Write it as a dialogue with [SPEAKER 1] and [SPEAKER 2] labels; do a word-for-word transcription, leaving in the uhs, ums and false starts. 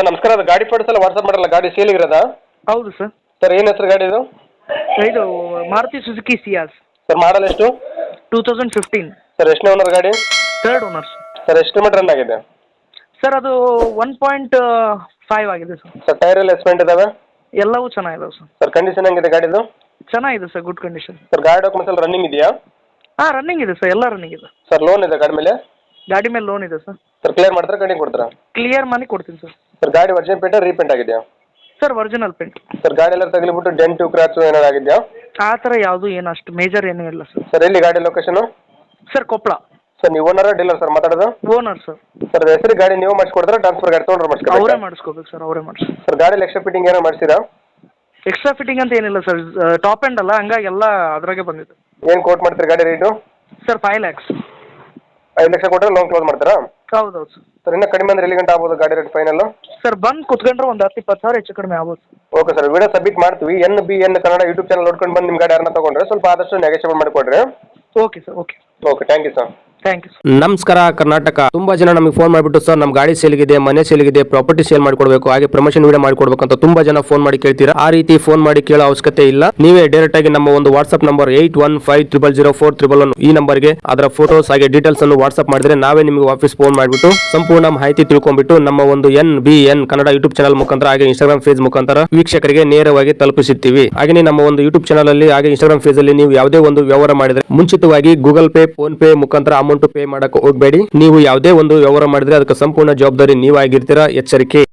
[SPEAKER 1] Sir ನಮಸ್ಕಾರ, ಅದು ಗಾಡಿ ಫೋಟೋಸ್ ಎಲ್ಲ ವಾಟ್ಸಪ್ ಮಾಡಲ್ಲ, ಗಾಡಿ ಸೇಲ್ ಇರೋದಾ?
[SPEAKER 2] ಹೌದು ಸರ್.
[SPEAKER 1] ಸರ್ ಏನು ಹೆಸರು ಗಾಡಿ ಇದು?
[SPEAKER 2] ಇದು Maruti Suzuki Ciaz
[SPEAKER 1] sir model ಎಷ್ಟು?
[SPEAKER 2] Two thousand fifteen.
[SPEAKER 1] ಸರ್ ಎಷ್ಟನೇ ಓನರ್ ಗಾಡಿ?
[SPEAKER 2] Third owner sir.
[SPEAKER 1] ಸರ್ ಎಷ್ಟು ಕಿಲೋಮೀಟರ್ ರನ್ ಆಗಿದೆ?
[SPEAKER 2] ಸರ್ ಅದು ಒನ್ ಪಾಯಿಂಟ್ ಫೈವ್ ಆಗಿದೆ ಸರ್.
[SPEAKER 1] ಸರ್ ಟೈರ್ ಎಲ್ಲ ಎಸ್ಪೆಂಟ್ ಇದಾವೆ?
[SPEAKER 2] ಎಲ್ಲವೂ ಚೆನ್ನಾಗಿದಾವೆ ಸರ್.
[SPEAKER 1] ಸರ್ ಕಂಡೀಷನ್ ಹೆಂಗಿದೆ ಗಾಡಿದು?
[SPEAKER 2] ಚೆನ್ನಾಗಿದೆ ಸರ್, ಗುಡ್ ಕಂಡೀಷನ್.
[SPEAKER 1] ಸರ್ ಗಾಡಿ ಡಾಕ್ಯುಮೆಂಟ್ಸ್ ಎಲ್ಲ ರನ್ನಿಂಗ್ ಇದೆಯಾ?
[SPEAKER 2] ಹಾಂ ರನ್ನಿಂಗ್ ಇದೆ ಸರ್, ಎಲ್ಲ ರನ್ನಿಂಗ್ ಇದೆ.
[SPEAKER 1] ಸರ್ ಲೋನ್ ಇದೆ ಗಾಡಿ ಮೇಲೆ?
[SPEAKER 2] ಗಾಡಿ ಮೇಲೆ ಲೋನ್ ಇದೆ ಸರ್.
[SPEAKER 1] ಸರ್ ಕ್ಲಿಯರ್ ಮಾಡ್ತಾರೆ, ಗಾಡಿ ಕೊಡ್ತೀರಾ?
[SPEAKER 2] ಕ್ಲಿಯರ್ ಮಾಡಿ ಕೊಡ್ತೀನಿ ಸರ್.
[SPEAKER 1] ಸರ್ ಗಾಡಿ ವರ್ಜಿನ್ ಪೇಂಟ್ ರೀಪೇಂಟ್ ಆಗಿದೆಯಾ?
[SPEAKER 2] Sir original paint.
[SPEAKER 1] ಸರ್ ಗಾಡಿ ಎಲ್ಲ ತಗಲಿಬಿಟ್ಟು ಡೆಂಟು ಕ್ರಾಚು ಏನಾರು ಆಗಿದೆಯಾ?
[SPEAKER 2] ಆ ಥರ ಯಾವುದು ಏನು ಅಷ್ಟು ಮೇಜರ್ ಏನೂ ಇಲ್ಲ ಸರ್.
[SPEAKER 1] ಸರ್ ಎಲ್ಲಿ ಗಾಡಿ ಲೊಕೇಶನು?
[SPEAKER 2] ಸರ್ ಕೊಪ್ಪಳ.
[SPEAKER 1] ಸರ್ ನೀವು ಓನರ ಡೀಲರ್ ಸರ್ ಮಾತಾಡೋದು?
[SPEAKER 2] Owner sir.
[SPEAKER 1] ಸರ್ ಹೆಸರು ಗಾಡಿ ನೀವು ಮಾಡಿಸ್ಕೊಡ್ತಾರೆ, ಟ್ರಾನ್ಸ್ಫರ್ ಗಾಡಿ ತೊಗೊಂಡ್ರೆ
[SPEAKER 2] ಅವರೇ
[SPEAKER 1] ಮಾಡಿಸ್ಕೊಡ್ತಾರೆ?
[SPEAKER 2] ಮಾಡಿಸ್ಕೋಬೇಕು ಸರ್, ಅವರೇ ಮಾಡಿಸ್ಕೊ.
[SPEAKER 1] ಸರ್ ಗಾಡಿ ಎಕ್ಸ್ಟ್ರಾ ಫಿಟ್ಟಿಂಗ್ ಏನೋ ಮಾಡಿಸಿರಾ?
[SPEAKER 2] ಎಕ್ಸ್ಟ್ರಾ ಫಿಟ್ಟಿಂಗ್ ಅಂತ ಏನಿಲ್ಲ ಸರ್, ಟಾಪ್ ಎಂಡ್ ಅಲ್ಲ, ಹಂಗಾಗಿ ಎಲ್ಲ ಅದ್ರಾಗೆ ಬಂದಿದೆ.
[SPEAKER 1] ಏನು ಕೋಟ್ ಮಾಡ್ತೀರಿ ಗಾಡಿ ರೇಟು?
[SPEAKER 2] Sir five lakhs.
[SPEAKER 1] ಐದು ಲಕ್ಷ ಕೊಟ್ಟರೆ ಲೋನ್ ಕ್ಲೋಸ್ ಮಾಡ್ತಾರಾ?
[SPEAKER 2] ಹೌದು ಹೌದು ಸರ್.
[SPEAKER 1] ಸರ್ ಇನ್ನೂ ಕಡಿಮೆ ಅಂದ್ರೆ ಎಲ್ಲಿ ಗಂಟೆ ಆಗ್ಬೋದು ಗಾಡಿ ರೇಟ್ ಫೈನಲ್?
[SPEAKER 2] ಸರ್ ಬಂದು ಕುತ್ಕೊಂಡ್ರೆ ಒಂದು ಹತ್ತು ಇಪ್ಪತ್ತು ಸಾವಿರ ಹೆಚ್ಚು ಕಡಿಮೆ ಆಗ್ಬೋದು.
[SPEAKER 1] ಓಕೆ ಸರ್, ವಿಡಿಯೋ ಸಬ್ಮಿಟ್ ಮಾಡ್ತೀವಿ. N B N Kannada YouTube channel ನೋಡ್ಕೊಂಡು ಬಂದು ನಿಮ್ಮ ಗಾಡಿ ಯಾರನ್ನ ತೊಗೊಂಡ್ರೆ ಸ್ವಲ್ಪ ಆದಷ್ಟು ನೆಗೋಷಿಯೇಟ್ ಮಾಡಿಕೊಡ್ರಿ.
[SPEAKER 2] Okay sir. Okay
[SPEAKER 1] okay, thank you sir.
[SPEAKER 2] Thank you.
[SPEAKER 3] ನಮಸ್ಕಾರ ಕರ್ನಾಟಕ. ತುಂಬಾ ಜನ ನಮಗೆ ಫೋನ್ ಮಾಡಿಬಿಟ್ಟು ಸರ್ ನಮ್ಮ ಗಾಡಿ ಸೇಲ್ಗಿದೆ, ಮನೆ ಸೇಲ್ಗಿದೆ, ಪ್ರಾಪರ್ಟಿ ಸೇಲ್ ಮಾಡಿಕೊಡ್ಬೇಕು, ಹಾಗೆ ಪ್ರಮೋಷನ್ ವಿಡಿಯೋ ಮಾಡಿಕೊಡ್ಬೇಕು ಅಂತ ತುಂಬಾ ಜನ ಫೋನ್ ಮಾಡಿ ಕೇಳ್ತೀರಾ. ಆ ರೀತಿ ಫೋನ್ ಮಾಡಿ ಕೇಳೋ ಅವಶ್ಯಕತೆ ಇಲ್ಲ. ನೀವೇ ಡೈರೆಕ್ಟ್ ಆಗಿ ನಮ್ಮ ಒಂದು WhatsApp number eight one five triple zero four triple one ಈ ನಂಬರ್ಗೆ ಅದರ ಫೋಟೋಸ್ ಹಾಗೆ ಡೀಟೇಲ್ಸ್ ಅನ್ನು ವಾಟ್ಸ್ಆಪ್ ಮಾಡಿದ್ರೆ ನಾವೇ ನಿಮಗೆ ವಾಪಸ್ ಫೋನ್ ಮಾಡಿಬಿಟ್ಟು ಸಂಪೂರ್ಣ ಮಾಹಿತಿ ತಿಳ್ಕೊಂಡ್ಬಿಟ್ಟು ನಮ್ಮ ಒಂದು N B N Kannada YouTube channel ಮುಖಾಂತರ ಹಾಗೆ ಇನ್ಸ್ಟಾಗ್ರಾಮ್ ಪೇಜ್ ಮುಖಾಂತರ ವೀಕ್ಷಕರಿಗೆ ನೇರವಾಗಿ ತಲುಪಿಸುತ್ತೀವಿ. ಹಾಗೆ ನಮ್ಮ ಒಂದು ಯೂಟ್ಯೂಬ್ ಚಾನಲ್ ಅಲ್ಲಿ ಹಾಗೆ ಇನ್ಸ್ಟಾಗ್ರಾಮ್ ಪೇಜ್ ಅಲ್ಲಿ ನೀವು ಯಾವುದೇ ಒಂದು ವ್ಯವಹಾರ ಮಾಡಿದ್ರೆ ಮುಂಚಿತವಾಗಿ ಗೂಗಲ್ ಪೇ, ಫೋನ್ ಪೇ ಮುಖಾಂತರ ಅಮೌಂಟ್ ಪೇ ಮಾಡಕ್ಕೆ ಹೋಗಬೇಡಿ. ನೀವು ಯಾವುದೇ ಒಂದು ವ್ಯವಹಾರ ಮಾಡಿದ್ರೆ ಅದಕ್ಕೆ ಸಂಪೂರ್ಣ ಜವಾಬ್ದಾರಿ ನೀವಾಗಿರ್ತೀರಾ. ಎಚ್ಚರಿಕೆ.